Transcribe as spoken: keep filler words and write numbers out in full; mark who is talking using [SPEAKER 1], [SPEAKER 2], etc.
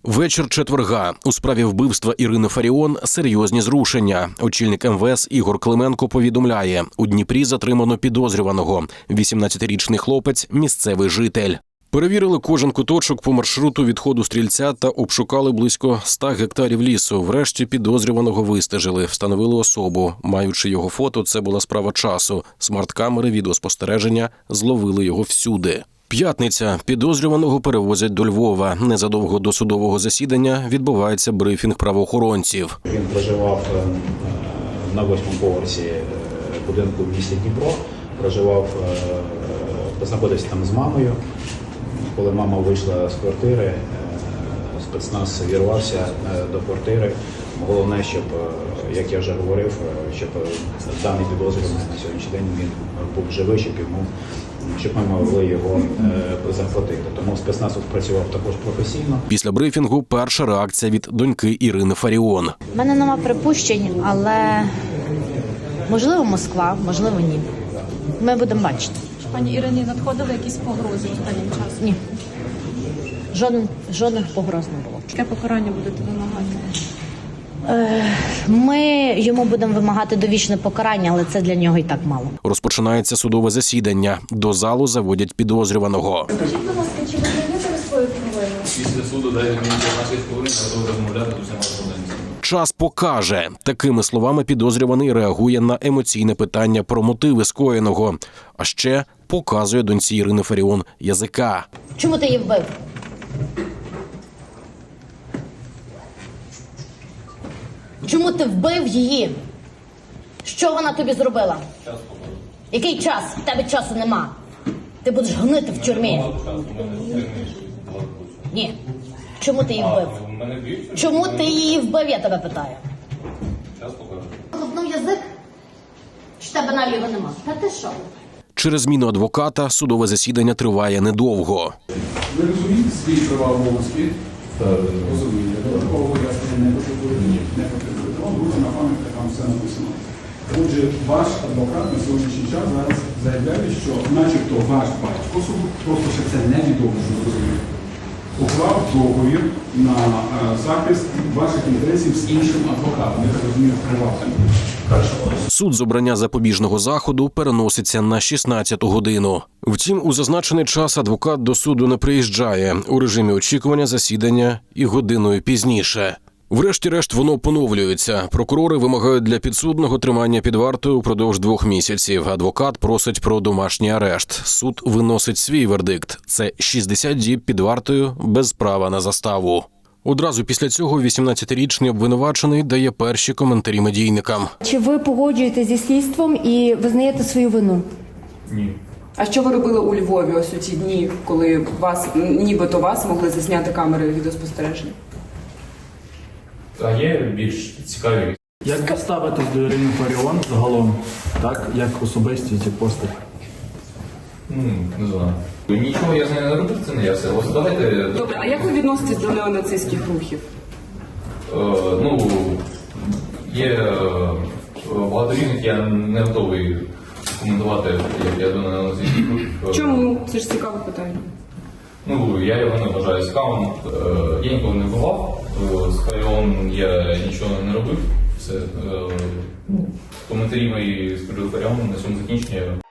[SPEAKER 1] Вечір четверга. У справі вбивства Ірини Фаріон серйозні зрушення. Очільник ем ве ес Ігор Клименко повідомляє, у Дніпрі затримано підозрюваного. вісімнадцятирічний хлопець – місцевий житель. Перевірили кожен куточок по маршруту відходу стрільця та обшукали близько ста гектарів лісу. Врешті підозрюваного вистежили, встановили особу. Маючи його фото, це була справа часу. Смарт-камери відеоспостереження зловили його всюди. П'ятниця. Підозрюваного перевозять до Львова. Незадовго до судового засідання відбувається брифінг правоохоронців.
[SPEAKER 2] Він проживав на восьмому поверсі будинку в місті Дніпро. Проживав, знаходився там з мамою. Коли мама вийшла з квартири, спецназ вірвався до квартири. Головне, щоб, як я вже говорив, щоб даний підозрюваний на сьогоднішній день він був живий, щоб йому щоб ми могли його е, захватити. Тому спецназ спрацював також професійно.
[SPEAKER 1] Після брифінгу перша реакція від доньки Ірини Фаріон.
[SPEAKER 3] У мене нема припущень, але можливо Москва, можливо ні. Ми будемо бачити.
[SPEAKER 4] Пані Ірині надходили якісь погрози останнім часом?
[SPEAKER 3] Ні. Жоден, жодних погроз не було.
[SPEAKER 4] Яке покарання будете вимагати?
[SPEAKER 3] Ми йому будемо вимагати довічне покарання, але це для нього і так мало.
[SPEAKER 1] Розпочинається судове засідання. До залу заводять підозрюваного.
[SPEAKER 5] Скажіть, будь ласка, чи ви знаєте свою провину?
[SPEAKER 6] Після суду дайте мені п'ятнадцять хвилин, готовий розмовляти з усіма проблемами.
[SPEAKER 1] Час покаже. Такими словами підозрюваний реагує на емоційне питання про мотиви скоєного. А ще показує доньці Ірини Фаріон язика.
[SPEAKER 3] Чому ти її вбив? Чому ти вбив її? Що вона тобі зробила?
[SPEAKER 6] Час покажу.
[SPEAKER 3] Який час? В тебе часу нема. Ти будеш гнити в тюрмі. Ні. Чому ти її вбив?
[SPEAKER 6] Мене б'ють?
[SPEAKER 3] Чому ти її вбив, я тебе питаю?
[SPEAKER 6] Час покажу.
[SPEAKER 3] Лопнув язик? Чи тебе наліво нема? Та ти що?
[SPEAKER 1] Через зміну адвоката судове засідання триває недовго.
[SPEAKER 7] Ви розумієте свої права обов'язки? Розумієте. Додаткового пояснення не потребуєте? Не потребуєте. Вам буде на пам'ятка, там все написано. Отже, ваш адвокат на сьогоднішній час зараз заявляє, що начебто ваш батько, просто ще це невідомо, що зрозуміє, уклав договір на е, захист ваших інтересів з іншим адвокатом, я так розумію, приватним.
[SPEAKER 1] Суд з обрання запобіжного заходу переноситься на шістнадцяту годину. Втім, у зазначений час адвокат до суду не приїжджає. У режимі очікування засідання і годиною пізніше. Врешті-решт воно поновлюється. Прокурори вимагають для підсудного тримання під вартою упродовж двох місяців. Адвокат просить про домашній арешт. Суд виносить свій вердикт. Це шістдесят діб під вартою без права на заставу. Одразу після цього вісімнадцятирічний обвинувачений дає перші коментарі медійникам.
[SPEAKER 8] Чи ви погоджуєтеся зі слідством і визнаєте свою вину?
[SPEAKER 6] Ні.
[SPEAKER 9] А що ви робили у Львові ось у ці дні, коли вас, нібито вас могли засняти камери відеоспостереження?
[SPEAKER 6] А є більш цікаві?
[SPEAKER 10] Як ви ставитесь до Ірини Фаріон загалом, так, як особистість і постать?
[SPEAKER 6] Ну, не знаю. Нічого я з нею не робив, це не я все. Ось давайте...
[SPEAKER 9] Добре, а як ви відноситесь до неонацистських рухів?
[SPEAKER 6] Е, ну, є е, багато різних, я не готовий коментувати, як я до неонацистських рухів.
[SPEAKER 9] Чому? Це ж цікаве питання.
[SPEAKER 6] Ну, я його не вважаю цікавим. Е, я ніколи не бував, е, з Фаріон я нічого не робив. Все. Е, коментарі мої з приводу Фаріон на цьому закінчення.